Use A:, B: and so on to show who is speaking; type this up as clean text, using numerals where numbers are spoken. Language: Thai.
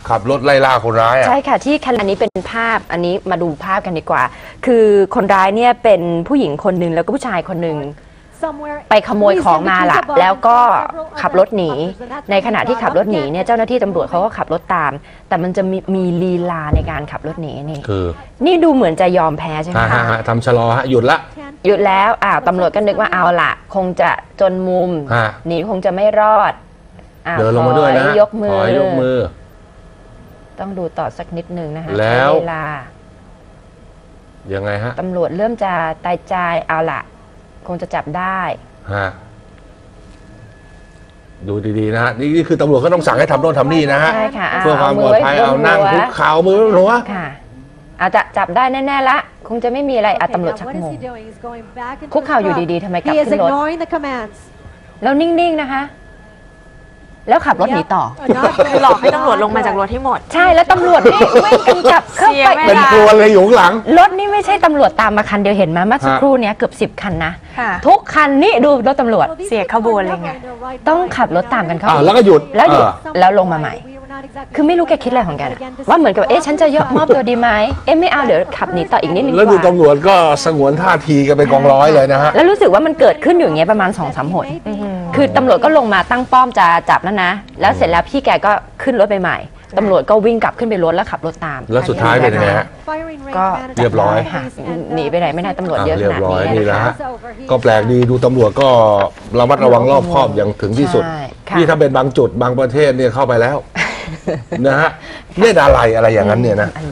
A: ขับรถไล่ล่าคนร้ายอ่ะ
B: ใช่ค่ะที่อันนี้เป็นภาพอันนี้มาดูภาพกันดีกว่าคือคนร้ายเนี่ยเป็นผู้หญิงคนหนึ่งแล้วก็ผู้ชายคนหนึ่งไปขโมยของมาละแล้วก็ขับรถหนีในขณะที่ขับรถหนีเนี่ยเจ้าหน้าที่ตำรวจเขาก็ขับรถตามแต่มันจะมีลีลาในการขับรถหนีนี่
A: คือ
B: นี่ดูเหมือนจะยอมแพ้ใช่ไหมคะ
A: ทำชะลอหยุดละ
B: หยุดแล้วตำรวจก็นึกว่าเอาละคงจะจนมุมหนีคงจะไม่รอด
A: เดินลงมาด้วยนะ
B: ยกมื
A: อ
B: ต้องดูต่อสักนิดนึงนะคะ
A: แล้ว
B: เวลา
A: ยังไงฮะ
B: ตำรวจเริ่มจะตายใจเอาละคงจะจับได้
A: ดูดีๆนะฮะนี่คือตำรวจก็ต้องสั่งให้ทำโน่นทำนี่นะฮะเพื่อความปลอดภัยเอานั่งคุกเข่ามือหัว
B: ค่ะอาจจะจับได้แน่ๆละคงจะไม่มีอะไรตำรวจชักงงคุกเข่าอยู่ดีๆทำไมกลับขึ้นรถแล้วนิ่งๆนะคะแล้วขับรถหนีต่อ
C: หลอกให้ตำรวจลงมาจากรถให้หมด
B: ใช่แล้วตำรวจนี่ไม่กันกลับเข้าไป
A: เป็นกลัวเลยอยู่ข้างหลัง
B: รถนี่ไม่ใช่ตำรวจตามมาคันเดียวเห็นไหมเมื่อสักครู่นี้เกือบ10 คันนะทุกคันนี่ดูรถตำรวจ
C: เสียขบวนเลยไง
B: ต้องขับรถตามกันเข้า
A: แล้วก็หยุด
B: แล้วลงมาใหม่คือไม่รู้แกคิดอะไรของแกว่าเหมือนกับฉันจะยกมอบตัวดีไหมไม่เอาเดี๋ยวขับหนีต่ออีกนิดนึง
A: แล้วดูตำรวจก็สงวนท่าทีกันเป็นกองร้อยเลยนะฮะ
B: แล้วรู้สึกว่ามันเกิดขึ้นอยู่อย่างเงี้ยประมาณ2-3 หนคือตำรวจก็ลงมาตั้งป้อมจะจับแล้วนะแล้วเสร็จแล้วพี่แกก็ขึ้นรถไปใหม่ตำรวจก็วิ่งกลับขึ้นไปรถแล้วขับรถตาม
A: แล้วสุดท้ายเป็นยังไงฮะ
B: ก็
A: เรียบร้อย
B: หนีไปไหนไม่ได้ตำรวจเยอะขนาดนี้
A: นะฮะก็แปลกดีดูตำรวจก็ระมัดระวังรอบคอบอย่างถึงที่สุดนี่ถ้าเป็นบางจุดบางประเทศเนี่ยเข้าไปแล้วนะฮะเล่นอะไรอย่างนั้นเนี่ยนะ